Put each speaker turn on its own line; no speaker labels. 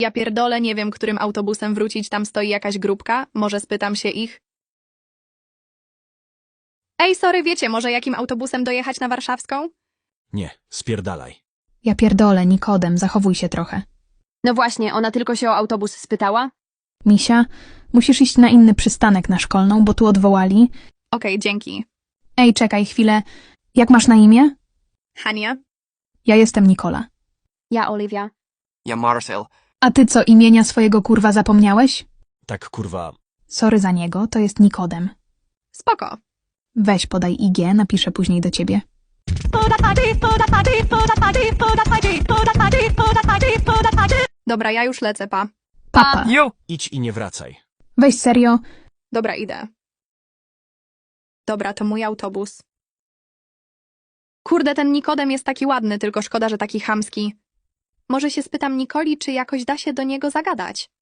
Ja pierdolę, nie wiem, którym autobusem wrócić, tam stoi jakaś grupka, może spytam się ich. Ej, sorry, wiecie może jakim autobusem dojechać na Warszawską?
Nie, spierdalaj.
Ja pierdolę, Nikodem, zachowuj się trochę.
No właśnie, ona tylko się o autobus spytała.
Misia, musisz iść na inny przystanek na Szkolną, bo tu odwołali.
Okej, dzięki.
Ej, czekaj chwilę. Jak masz na imię?
Hania?
Ja jestem Nikola.
Ja, Oliwia.
Ja Marcel.
A ty co, imienia swojego kurwa zapomniałeś?
Tak kurwa,
Sorry za niego, to jest Nikodem.
Spoko.
Weź podaj IG, napiszę później do ciebie.
Dobra, ja już lecę, pa.
Papa.
Jo!
idź i nie wracaj.
Weź serio.
Dobra, idę. Dobra, to mój autobus. Kurde, ten Nikodem jest taki ładny, tylko szkoda, że taki chamski. Może się spytam Nikoli, czy jakoś da się do niego zagadać.